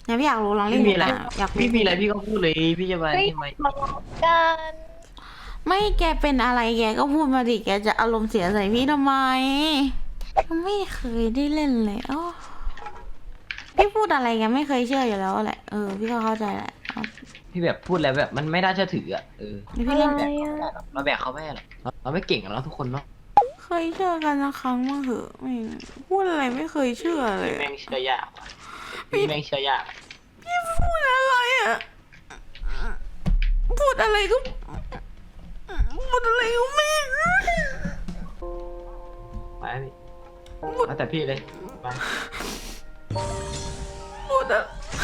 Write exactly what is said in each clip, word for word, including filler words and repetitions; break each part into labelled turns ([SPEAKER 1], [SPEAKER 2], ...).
[SPEAKER 1] อย่าพี่อยากรู้ลองเล่น
[SPEAKER 2] พี่มีอะไร
[SPEAKER 1] อยากรู้
[SPEAKER 2] พี่มีอะไรพี่ก็พูดเลยพี่จะมา
[SPEAKER 3] เฮ้ย
[SPEAKER 2] ทำไม
[SPEAKER 3] มากัน
[SPEAKER 1] ไม่แกเป็นอะไรแกก็พูดมาดิแกจะอารมณ์เสียใส่พี่ทำไมไม่เคยได้เล่นเลยอ๋อพี่พูดอะไรแกไม่เคยเชื่ออยู่แล้วแหละเออพี่ก็เข้าใจแหละ
[SPEAKER 2] พี่แบบพูดแล้วแบบมันไม่น่าเชื่อถืออ่ะเออ
[SPEAKER 1] นี่
[SPEAKER 3] อะ
[SPEAKER 1] พี่
[SPEAKER 3] ไร
[SPEAKER 1] เล่น
[SPEAKER 3] อ่ะ
[SPEAKER 2] เราแบกเขาไม่ได้หรอกเราเราไม่เก่งกับเราทุกคนเนาะ
[SPEAKER 1] เคยเชื่อกันนะครั้งมาเหอะไม่พูดอะไรไม่เคยเชื่อเลย
[SPEAKER 2] แม่งเชื่อยากว่ะพี่แม่งเชื่อยาก
[SPEAKER 1] พี่พูดอะไรอ่ะพูดอะไรก็พูดอะไรก็ไม่
[SPEAKER 2] ไปพี่เอาแต่พี่เลยไป
[SPEAKER 1] พูดอะ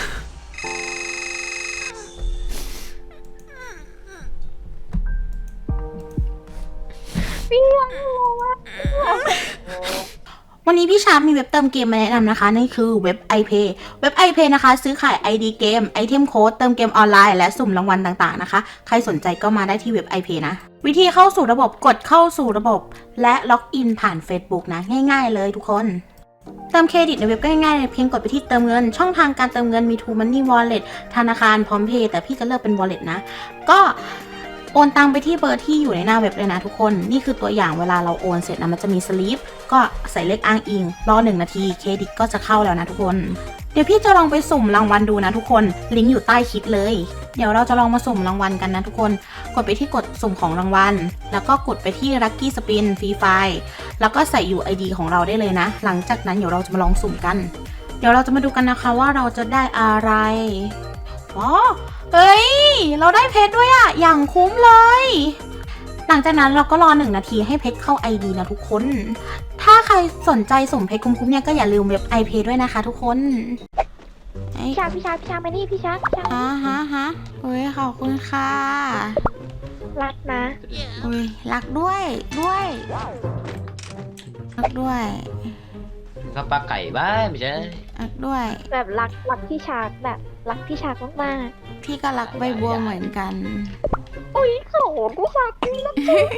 [SPEAKER 1] วันนี้พี่ชาร์ปมีเว็บเติมเกมมาแนะนำนะคะนั่นคือเว็บ iPay เว็บ iPay นะคะซื้อขาย ไอ ดี เกมไอเทมโค้ดเติมเกมออนไลน์และสุ่มรางวัลต่างๆนะคะใครสนใจก็มาได้ที่เว็บ iPay นะวิธีเข้าสู่ระบบกดเข้าสู่ระบบและล็อกอินผ่าน Facebook นะง่ายๆเลยทุกคนเติมเครดิตในเว็บก็ง่ายๆเลยเพียงกดไปที่เติมเงินช่องทางการเติมเงินมี True Money Wallet ธนาคารพร้อมเพย์แต่พี่จะเลือกเป็น Wallet นะก็โอนตังไปที่เบอร์ที่อยู่ในหน้าเว็บเลยนะทุกคนนี่คือตัวอย่างเวลาเราโอนเสร็จนะมันจะมีสลิปก็ใส่เลขอ้างอิงรอหนึ่งนาทีเครดิตก็จะเข้าแล้วนะทุกคนเดี๋ยวพี่จะลองไปสุ่มรางวัลดูนะทุกคนลิงก์อยู่ใต้คลิปเลยเดี๋ยวเราจะลองมาสุ่มรางวัลกันนะทุกคนกดไปที่กดสุ่มของรางวัลแล้วก็กดไปที่ Lucky Spin Free File แล้วก็ใส่ ยู ไอ ดี ของเราได้เลยนะหลังจากนั้นเดี๋ยวเราจะมาลองสุ่มกันเดี๋ยวเราจะมาดูกันนะคะว่าเราจะได้อะไรอ๋อเฮ้ยเราได้เพชรด้วยอะอย่างคุ้มเลย หลังจากนั้นเราก็รอหนึ่งนาทีให้เพชรเข้า ไอ ดี นะทุกคน ถ้าใครสนใจสุ่มเพชรคุ้มๆเนี่ยก็อย่าลืมเว็บ iPay ด้วยนะคะทุกคนเอ้ย
[SPEAKER 3] พี่ชาพี่ชาพี่ชามานี่พี่ชาพี่ชา
[SPEAKER 1] ฮะฮะฮะเฮ้ยขอบคุณค่ะ
[SPEAKER 3] รักนะ
[SPEAKER 1] อุ้ยรักด้วยด้วยรักด้วย
[SPEAKER 2] ก็ปลาไก่บ้างไม่ใช่
[SPEAKER 1] รักด้วย
[SPEAKER 3] แบบรักรักพี่ชาแบบรักพี่ชามาก
[SPEAKER 1] พี่ก็รักใบบัวเหมือนกัน
[SPEAKER 3] ๆอุ้ยโหพี่ชาพี่นะ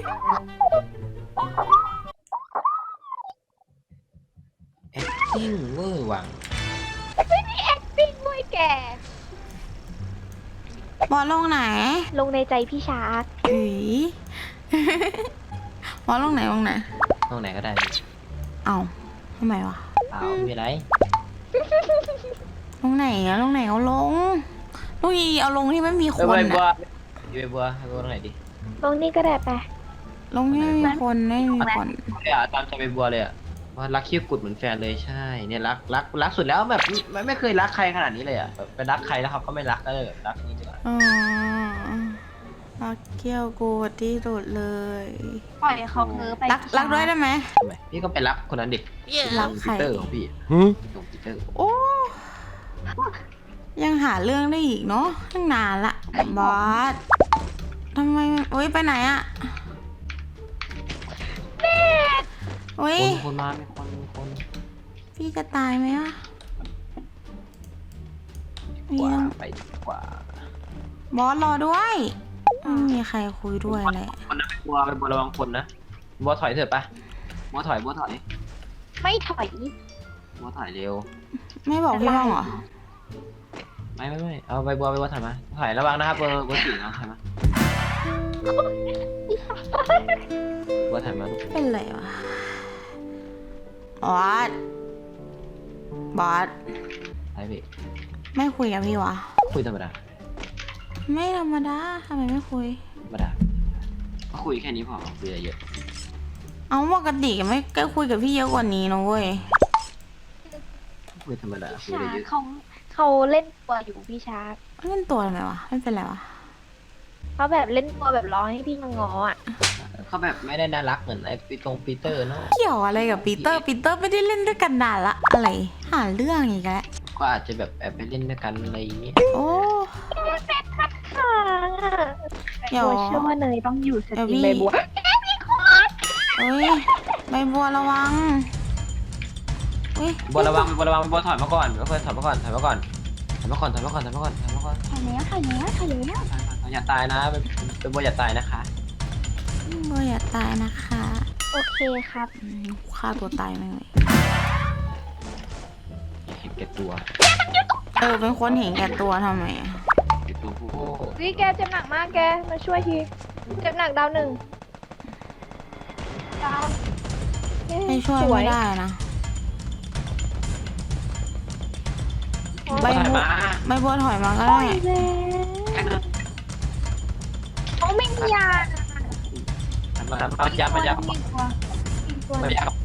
[SPEAKER 2] แอคติ้งเวอร์วัง
[SPEAKER 3] ปิ้งด้วยแก
[SPEAKER 1] บอลลงไหน
[SPEAKER 3] ลงในใจพี่ชา
[SPEAKER 1] อือ บอลลงไหนลงไหน
[SPEAKER 2] ตรงไหนก็ได้พี่
[SPEAKER 1] เอ้าทำไมวะ
[SPEAKER 2] เอาไม่เป็นไร
[SPEAKER 1] ลงไหนอะลงไหนเอาลงลูกอีเอาลงที่ไม่มีค
[SPEAKER 2] เออน ใบบัว
[SPEAKER 1] อะ
[SPEAKER 2] อยู่ใบบัวใบบัวตรงไหนดี
[SPEAKER 3] ลงนี่ก็ได้ไป
[SPEAKER 1] ลงที่ไม่มีคนไม่มีคน
[SPEAKER 2] เลยอ่ะตามใจใบบัวเลยอ่ะว่ารักคิ้วกุดเหมือนแฟนเลยใช่เนี่ยรักรักรักสุดแล้วแบบไม่ไม่เคยรักใครขนาดนี้เลยอ่ะแบบไปรักใครแล้วเขาก็ไม่รักก็เลยแบบรักนี้ดีกว่า
[SPEAKER 1] อ๋อรักเกี้ยวกูที่สุดเลย
[SPEAKER 3] ปล่อยเขาเพ้อไป
[SPEAKER 1] รักรักด้วยได้ไหม
[SPEAKER 2] ทำไมพี่ก็ไปรักคนนั้นเด็ก
[SPEAKER 1] รักใคร
[SPEAKER 2] ปีเตอร์ของพี่ลงปีเตอร์
[SPEAKER 1] โอ้ยังหาเรื่องได้อีกเนาะตั้งนานละบอสทำไมโอ้ยไปไหนอะโอ้ย
[SPEAKER 2] คนคนมามีคนมีคน
[SPEAKER 1] พี่จะตายไหมอะมี
[SPEAKER 2] กว่า
[SPEAKER 1] ต้อง
[SPEAKER 2] ไปดีกว่า
[SPEAKER 1] บอสรอด้วยไม่มีใครคุยด้วยเลย
[SPEAKER 2] คนนั้นไปบัวไปบัวระวังคนนะบัวถอยเถอะปะบัวถอยบัวถอย
[SPEAKER 3] ไม่ถอย
[SPEAKER 2] บัวถอยเร็ว
[SPEAKER 1] ไม่บอกพี่บ้างเหรอ
[SPEAKER 2] ไม่ไม่ไม่เอาใบบัวใบบัวถอยมาถอยระวังนะครับเบอร์เบอร์สี่นะถอยมาบัวถอยมาลูก
[SPEAKER 1] เป็นไรวะบอสบอส
[SPEAKER 2] ไอพี่
[SPEAKER 1] ไม่คุยกับพี่วะ
[SPEAKER 2] คุยธรรมดา
[SPEAKER 1] ไม่ธรรมดาทำไมไม่คุย
[SPEAKER 2] ธรรมดาก็คุยแค่นี้พอคุยอะไรเยอะ
[SPEAKER 1] เอาปกติไม่ก็คุยกับพี่เยอะกว่านี้นะเว้ย
[SPEAKER 2] คุยธรรมดาคุย
[SPEAKER 3] ชา
[SPEAKER 2] อะไรเยอะ
[SPEAKER 3] เขาเขาเล่นตัวอยู่พี่ชา
[SPEAKER 1] เล่นตัวทำไมวะไม่เป็นไรวะ
[SPEAKER 3] เขาแบบเล่นตัวแบบร้องให้พี่มางออ่ะ
[SPEAKER 2] เขาแบบไม่ได้น่ารักเหมือนไอ้ปีตรงปีเตอร์เนาะ
[SPEAKER 1] เกี่ยวอะไรกับปีเตอร์ปีเตอร์ไม่ได้เล่นด้วยกันนานละอะไรหาเรื่องอีกแล้ว
[SPEAKER 2] ก็อาจจะแบบแอบไปเล่นด้วยกันอะไรอย่างเงี้ย
[SPEAKER 1] โอ้
[SPEAKER 3] ค่ะ
[SPEAKER 1] เดี๋ยว
[SPEAKER 3] บัวเชื่อว่าเนยต้องอยู่ส
[SPEAKER 1] เดี๋ยว
[SPEAKER 3] ตรี
[SPEAKER 1] พี่
[SPEAKER 3] มใบบัว
[SPEAKER 1] เอ้ยใบบัวระวังเฮ้ย
[SPEAKER 2] บัวระวังบัวระวังบัวถอยมาก่อนบัวถอยมาก่อนถอยมาก่อนถอยมาก่อนถอยมาก่อนถอยมาก่อนถอยมาก่อน
[SPEAKER 3] ถอยแล้วถอยแล้วถอยแล้ว
[SPEAKER 2] อย่าตายนะเป็นเป็นบัวอย่าตายนะคะ
[SPEAKER 1] บัวอย่าตายนะคะ
[SPEAKER 3] โอเคครับ
[SPEAKER 1] อืมฆ่าตัวตายแม่งเลย
[SPEAKER 2] เห็นแก่ตัว
[SPEAKER 1] อเออเป็นคนเห็นแก่ตัวทำไมอะ
[SPEAKER 2] ปิดตูโอ้
[SPEAKER 3] วิแกเจ็บหนักมากแกมาช่วยทีเจ็บหนักดาวหนึ่งดาวเอ๊ะ
[SPEAKER 1] ให้ช่วย
[SPEAKER 3] ส
[SPEAKER 1] ไม่ได้นะใบ
[SPEAKER 2] ย
[SPEAKER 1] บัว
[SPEAKER 2] มา
[SPEAKER 1] ใบบัวถอยมาก็ได้
[SPEAKER 3] เขาไม่มียา
[SPEAKER 2] มามายับมายับ
[SPEAKER 3] อีกตัวอีกตัว
[SPEAKER 2] มายับบ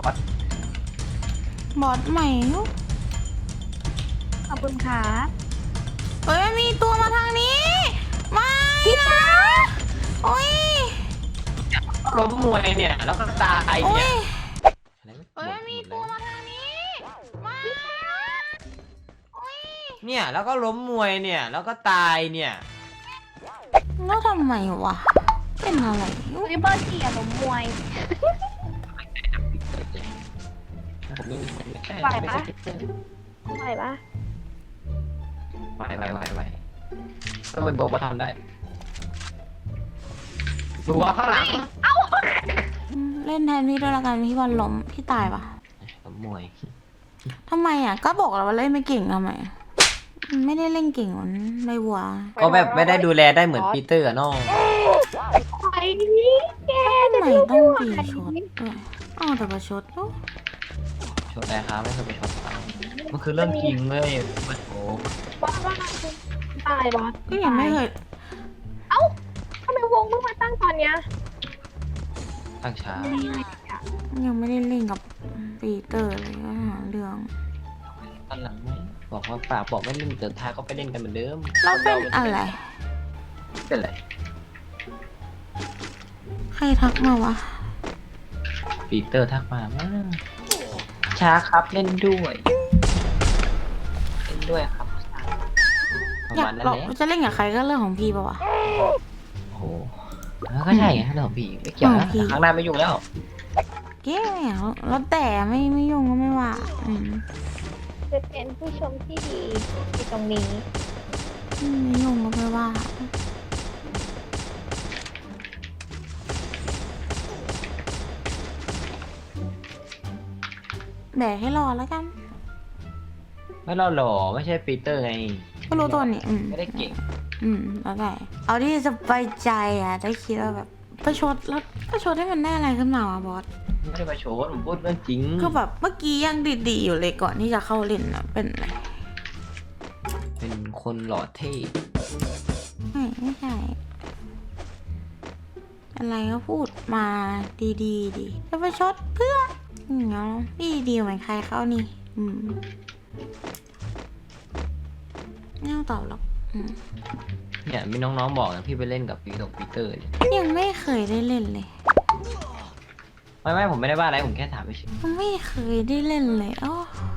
[SPEAKER 1] อสใหม่ลูก
[SPEAKER 3] ขอบคุณค่ะ
[SPEAKER 1] เอ้ยมีตัวมาทางนี้ ไม่นะโอ้ย
[SPEAKER 2] ล้มมวยเนี่ยแล้วก็ตาย
[SPEAKER 1] โอ้
[SPEAKER 2] เนี่ย ย
[SPEAKER 1] เอ้ยมีตัวมาทางนี้ไม่โอ้ย
[SPEAKER 2] เนี่ยแล้วก็ล้มมวยเนี่ยแล้วก็ตายเนี่ย
[SPEAKER 1] แล้วทำไมวะเป็นอะไร
[SPEAKER 3] วิเบอร์สี่อะล้มมวย ไหวปะ ไหวปะ
[SPEAKER 2] ไหวไหวไหวไหวต้องเป็นโบกมาทำได้ดูว่าข้างหลัง
[SPEAKER 1] เล่นแทนพี่ด้วยละกันพี่บอลล้มพี่ตายปะ
[SPEAKER 2] ล้มมวย
[SPEAKER 1] ทำไมอ่ะก็บอกแล้วว่าเล่นไม่เก่งทำไมอะไม่ได้เล่นเก่งเหมือนใบบัว
[SPEAKER 2] ก็แบบไม่ได้ดูแลได้เหมือนปีเตอร์อะน้อง
[SPEAKER 3] ไปนี่แก
[SPEAKER 1] ทำ
[SPEAKER 3] จะ
[SPEAKER 1] ไม
[SPEAKER 3] ดู
[SPEAKER 1] ต้อง
[SPEAKER 3] ไม่
[SPEAKER 1] ตี
[SPEAKER 3] ไหว
[SPEAKER 1] ชดด้วยอ้าวแต่ประชดเนอะ
[SPEAKER 2] ชดอะไรครับไม่เคยไปชดเขามันคือเรื่องจริงเลยมันโอ้
[SPEAKER 3] บอสว่าคุณตายบอส
[SPEAKER 1] ก็ยังไม่เคย
[SPEAKER 3] เอ้าทำไมวงเพิ่งมาตั้งตอนเนี้ย
[SPEAKER 2] ตั้งช้า
[SPEAKER 1] ยังไม่ได้เล่นกับปีเตอร์เลยก็หาเรื่อง
[SPEAKER 2] ตอนหลังไม่บอกว่าฝากบอกไม่เล่นเดินท้ายก็ไปเล่นกันเหมือนเดิม
[SPEAKER 1] เราเป็นอะไร
[SPEAKER 2] เป็นไร
[SPEAKER 1] ใครทักมาวะ
[SPEAKER 2] ปีเตอร์ทักมาว่าช้าครับเล่นด้วยเล่นด้วยครับประ
[SPEAKER 1] อยา
[SPEAKER 2] มาณ
[SPEAKER 1] ก
[SPEAKER 2] นั้น
[SPEAKER 1] เรา
[SPEAKER 2] แหละ
[SPEAKER 1] จะเล่นกับใครก็เรื่องของพี่ปะวะ
[SPEAKER 2] โอ้โหแล้วก็ใช่ไงเรื่องของพี่ไม่เกี่ยวนะ
[SPEAKER 1] ของพี่
[SPEAKER 2] แต่ครั้งหน้าไม่ยุ่งแล้ว
[SPEAKER 1] เก้วแล้วแต่ไม่ไม่ยุ่งก็ไม่ว่าอืม
[SPEAKER 3] จะเป็นผู้ชมที่ดีที่ตรงนี้
[SPEAKER 1] ไม่ยุ่งก็ไม่ว่าแบกให้รอแล้วกัน
[SPEAKER 2] ไม่เราหล่อไม่ใช่ปีเตอร์ไง
[SPEAKER 1] ก็รู้ตัวนี่อืม
[SPEAKER 2] ไม่ได้เก่ง
[SPEAKER 1] อืมแล้วแต่เอาที่สบายใจอ่ะได้คิดว่าแบบประชดแล้วประชดให้มันได้อะไรขึ้นมาวะบอส
[SPEAKER 2] ไม่ได้มาโชว์ผมพูดเรื่องจริง
[SPEAKER 1] คือแบบเมื่อกี้ยังดีๆอยู่เลยก่อนที่จะเข้าเล่นนะเป็นอะไร
[SPEAKER 2] เป็นคนหล่อเท่
[SPEAKER 1] ไม่ไม่ใช่อะไรก็พูดมาดีๆดีจะประชดเพื่ออย่างเงี้ยพี่ดีเหมือนใครเข้านี่ อืมไม่ต้องตอบหรอกอืม
[SPEAKER 2] เนี่ยมีน้องๆบอกนะพี่ไปเล่นกับปีตกปีเตอร์เนี่ย
[SPEAKER 1] ยังไม่เคยได้เล่นเลย
[SPEAKER 2] ไม่ไม่ผมไม่ได้ว่าอะไรผมแค่ถามไปเฉย
[SPEAKER 1] ไม่เคยได้เล่นเลยอ๋อ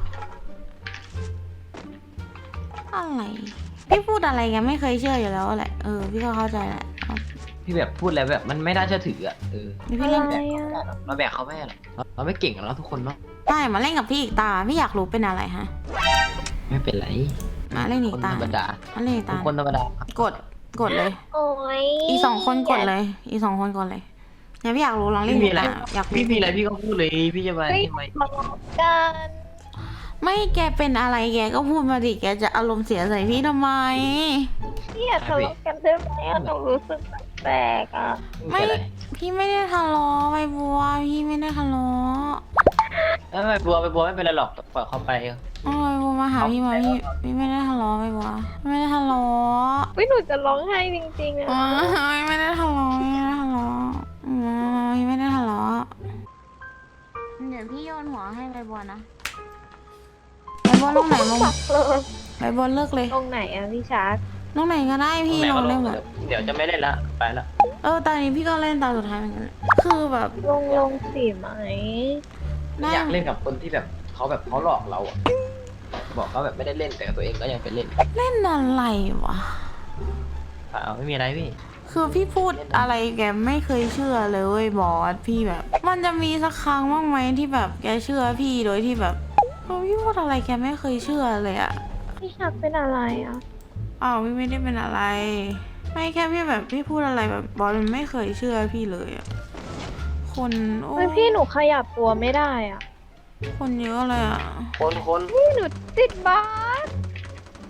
[SPEAKER 1] อะไรพี่พูดอะไรแกไม่เคยเชื่ออยู่แล้วแหละเออพี่ก็เข้าใจแหละเอา
[SPEAKER 2] พี่แบบพูดแล้วแบบมันไม่น่าเชื่อถืออ่ะเออ
[SPEAKER 1] นี่พี่เล่น
[SPEAKER 3] อะไร
[SPEAKER 2] แบบ
[SPEAKER 3] อะ
[SPEAKER 2] เราแบกเขาไม่ได้หรอกเราเราไม่เก่งกับเราทุกคนเนาะ
[SPEAKER 1] ได้มาเล่นกับพี่อีกตาพี่อยากรู้เป็นอะไรฮะ
[SPEAKER 2] ไม่เป็นไร
[SPEAKER 1] มาเล่นอี
[SPEAKER 2] ค
[SPEAKER 1] ก
[SPEAKER 2] น
[SPEAKER 1] ตา
[SPEAKER 2] ธรรมดา
[SPEAKER 1] มาเล่นอีก
[SPEAKER 2] เป็น
[SPEAKER 1] ตา
[SPEAKER 2] คนธรรมดาก
[SPEAKER 1] ดกดเลย
[SPEAKER 3] โอ้ย
[SPEAKER 1] อีกสองคนกดเลย อีกสองคนกดเลยเนี่ยพี่อยากรู้ลองเล่น
[SPEAKER 2] พี่มี
[SPEAKER 1] อีก
[SPEAKER 2] อะไร
[SPEAKER 1] ตาอยากรู้
[SPEAKER 2] พี่มีอะไรพี่ก็พูดเลยพี่จะมา
[SPEAKER 3] เฮ้ย
[SPEAKER 2] ทำไม
[SPEAKER 3] ทะเลาะกัน
[SPEAKER 1] ไม่แกเป็นอะไรแกก็พูดมาดิแกจะอารมณ์เสียใส่พี่ทำไม
[SPEAKER 3] เนี่ยทะเลาะกันได้ไหมอะหนูรู้สึกแปลกๆอ่ะ
[SPEAKER 1] ไม่
[SPEAKER 2] ไม่เป็นไร
[SPEAKER 1] พี่ไม่ได้ทะเลาะไปบัวพี่ไม่ได้ทะเลาะ
[SPEAKER 2] เออไปบัวไปบัวไม่เป็นไรหรอกปล่อยเขาไป
[SPEAKER 1] โอ้ยบัวมาหาพี่มาพี่พี่ไม่ได้ทะเลาะไปบัวไม่ได้ทะเลาะ
[SPEAKER 3] วิหนูจะร้องไห้จริงๆอ่ะ
[SPEAKER 1] โอ้ยไม่ได้ทะเลาะไม่ได้ทะเลาะอืมพี่ไม่ได้ทะเลาะเดี๋ยวพี่โยนหัวให้ใบบัวนะใบบัวลงไหนลง
[SPEAKER 3] สักเลย
[SPEAKER 1] ใบบัวเลิกเลย
[SPEAKER 3] ตรงไหนอ่ะพี่ชาร์ก
[SPEAKER 1] ลงไหนก็ได้พี่ลงเล่นแบบ
[SPEAKER 2] เดี๋ยวจะไม่เล่นละไปละ
[SPEAKER 1] เออตอนนี้พี่ก็เล่นตอนสุดท้ายเหมือนกันแหละคือแบบ
[SPEAKER 3] ลงลงสีไหม
[SPEAKER 1] น่า
[SPEAKER 2] อยากเล่นกับคนที่แบบเขาแบบเขาหลอกเราอ่ะบอกเขาแบบไม่ได้เล่นแต่ตัวเองก็ยังไปเล่น
[SPEAKER 1] เล่นอะไรวะ
[SPEAKER 2] เปล่าไม่มีอะไรพี่
[SPEAKER 1] คือพี่พูดอะไรแกไม่เคยเชื่อเลยเว้ยบอสพี่แบบ มันจะมีสักครั้งบ้างไหมที่แบบแกเชื่อพี่โดยที่แบบเออพี่พูดอะไรแกไม่เคยเชื่อเลยอะ
[SPEAKER 3] พี่ชาร์กเป็นอะไรอ่ะ
[SPEAKER 1] อ้าวพี่ไม่ได้เป็นอะไร ไม่แค่พี่แบบพี่พูดอะไรแบบบอสมันไม่เคยเชื่อพี่เลยอะคนโอ้
[SPEAKER 3] เฮ้ยพี่หนูขยับตัวไม่ได้อ่ะ
[SPEAKER 1] คนเยอะเลยอะ
[SPEAKER 2] คนคน
[SPEAKER 3] พี่หนูติดบาส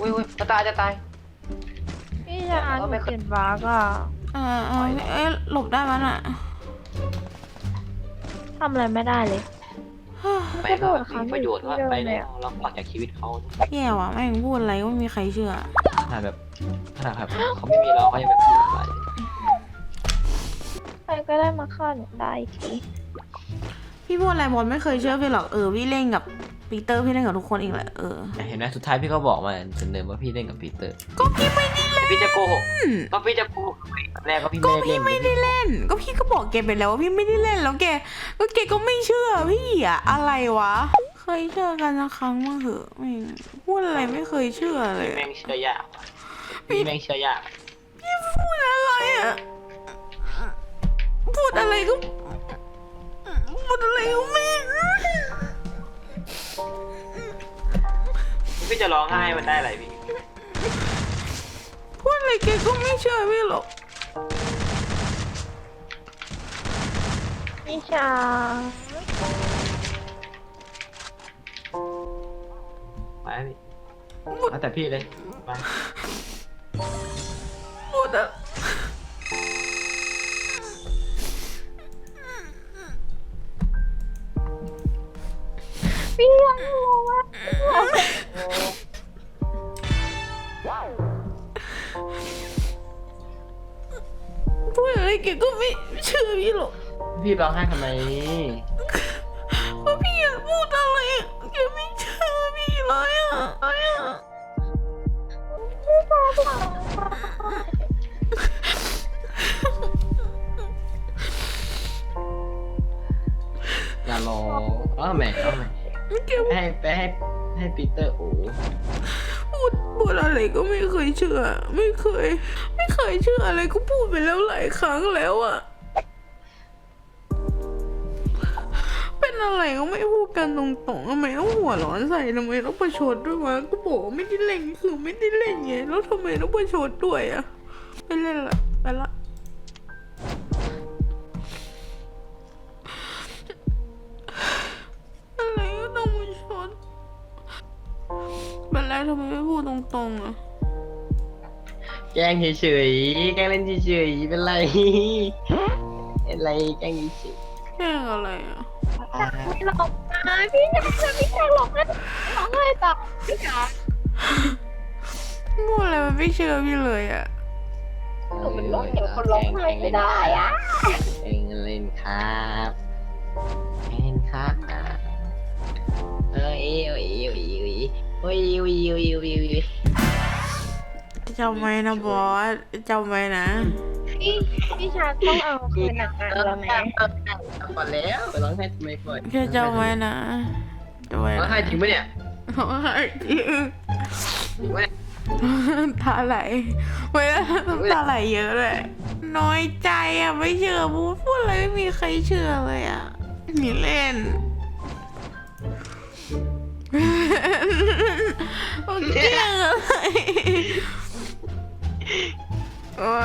[SPEAKER 2] อุ้ยอุ้ยจะตายจะตาย
[SPEAKER 3] พี่ชายหนูเขียนบาร์กอ่ะ
[SPEAKER 1] เออเออเอ้ยหลบได้มั้ยน่ะ
[SPEAKER 3] ทำอะไรไม่ได้เลย
[SPEAKER 2] ไปก็มีประโยชน์ว่าไปแล้วเราออกจากชีวิตเขา
[SPEAKER 1] แย่ว่ะแม่งพูดอะไรก็ไม่มีใครเชื่อ
[SPEAKER 2] ขนาดแบบขนาดแบบเขาไม่มีเราเขายังแบบพูดอะไร
[SPEAKER 3] ใครก็ได้มาฆ่าหนูได้ที
[SPEAKER 1] พี่พูดอะไรบอลไม่เคยเชื่อพี่หรอกเออพี่เล่นกับปีเตอร์พี่เล่นกับทุกคนเองแหละเออ
[SPEAKER 2] เห็นไหมสุดท้ายพี่ก็บอกมาเสนอว่าพี่เล่นกับปีเตอร์
[SPEAKER 1] ก็พี่ไม่ได้เล่น
[SPEAKER 2] พี่จะโกหกก็พี่จะโกหกแรกก็พี่
[SPEAKER 1] ก็
[SPEAKER 2] ไม่ได้
[SPEAKER 1] พี่
[SPEAKER 2] เล่น
[SPEAKER 1] ไม่ได้เล่น ก็พี่ก็บอกแกไปแล้วว่าพี่ไม่ได้เล่นแล้วแกก็แกก็ไม่เชื่อพี่อะอะไรวะ เคยเชื่อกันนะครั้งมั้งเหอะไม่งพูดอะไรไม่เคยเชื่อเลย
[SPEAKER 2] แม่งเชื่อยากพี่แม่งเชื่อยาก
[SPEAKER 1] พี่พูดอะไรอะพูดอะไรก็พูดอะไรก็ไม่
[SPEAKER 2] พี่จะร้องไห้มันได้อะไรพี่
[SPEAKER 1] พูดอะไรแกก็ไม่เชื่อพี่หรอก
[SPEAKER 3] พี่ชาย
[SPEAKER 2] ไปพี่เอาแต่พี่เลยไป
[SPEAKER 1] พูดอะ
[SPEAKER 3] พี่ยังรู้ว่า
[SPEAKER 1] พูดอะไรแกก็ไม่เชื่อพี่หรอก
[SPEAKER 2] พี่ร้องไห้ทำไม
[SPEAKER 1] เพราะพี่อยากพูดอะไรอะแกไม่เชื่อพี่เลยอะ
[SPEAKER 2] อย่าร้องเอาแม่เอาแม่
[SPEAKER 1] แก
[SPEAKER 2] ไปให้ไปให้ให้ปีเตอร์โอ้
[SPEAKER 1] พูดพูดอะไรก็ไม่เคยเชื่อ ไม่เคย ไม่เคยเชื่ออะไรก็พูดไปแล้วหลายครั้งแล้วอะเป็นอะไรก็ไม่พูดกันตรงๆทำไมต้องหัวร้อนใส่ทำไมต้องประชดด้วยวะก็บอกว่าไม่ได้เล่นคือไม่ได้เล่นไงแล้วทำไมต้องประชดด้วยอะไม่เล่นละไปละอะไรก็ต้องมาชดเป็นไรทำไมไม่พูดตรงๆอะ
[SPEAKER 2] แกล้งเฉยๆแกล้งเล่นเฉยๆเป็นไรเป็นไรแกล้งเฉย
[SPEAKER 1] แค่อะไรอะ
[SPEAKER 3] ไม่หลอกนะพี่ชายพี่ชายหลอกนะหลอกให้ต่อพี่ชาย
[SPEAKER 1] พูดอะไรมันไม่เชื่อพี่เลยอะ
[SPEAKER 3] หนูเป็นร้องเดี๋ยวคนร้องไห้ไม่ได้อะ
[SPEAKER 2] เองเล่นครับเล่นครับเอ้ยเอ้ยเอ้ยเอ้ยเอ้ยเอ้ยเอ้ยเอ้ยเอ้ยเอ้ย
[SPEAKER 1] จำไว้นะบอสจำไว้นะ
[SPEAKER 3] พี่พี่ชายต้องเอาคืนหนักงานแล้วไหม
[SPEAKER 2] ก่อนแล้วไปร้องไห้ทำไมก่อน
[SPEAKER 1] แค่จำไว้นะจำไว้
[SPEAKER 2] ร้อง
[SPEAKER 1] นะ
[SPEAKER 2] ไห้จริงปะเนี่ย
[SPEAKER 1] ร้องไห้จริง
[SPEAKER 2] จริงปะเนี่ย
[SPEAKER 1] ตาไหลไม่ได้น้ำตาไหลเยอะเลยน้อยใจอะไม่เชื่อพูดพูดอะไรไม่มีใครเชื่อเลยอะมีเล่นโอเคอะไรว่า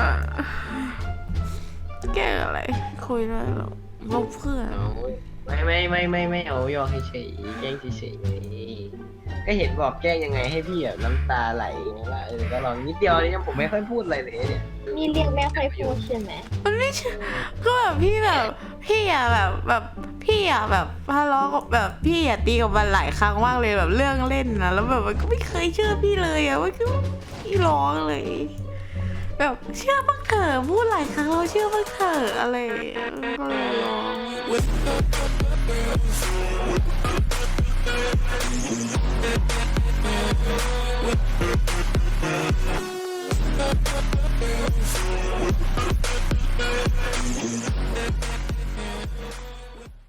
[SPEAKER 1] แกล้งอะไรคุยได้หรอลบเพื่อน
[SPEAKER 2] ไม่ไม่ไม่ไม่ไม่เอายอมเฉยๆแกล้งเฉยๆก็เห็นบอกแกล้งยังไงให้พี่แบบน้ำตาไหลว่าเออก็ลองนิดเดียวนี่ผมไม่ค่อยพูดอะไรเลยเนี่ย
[SPEAKER 3] นี่เรียกแม่ค่อยพูดใช่ไหม
[SPEAKER 1] มันไม่ใช่ก็แบบพี่แบบพี่อะแบบแบบพี่อะแบบทะเลาะกับแบบพี่อะตีกับมันหลายครั้งมากเลยแบบเรื่องเล่นนะแล้วแบบมันก็ไม่เคยเชื่อพี่เลยอะว่าคือพี่ร้องเลย แบบเชื่อบ้างเถอะพูดหลายครั้งเราเชื่อบ้างเถอะอะไรอย่างเงี้ยก็เลยร้อง
[SPEAKER 4] We'll be right back.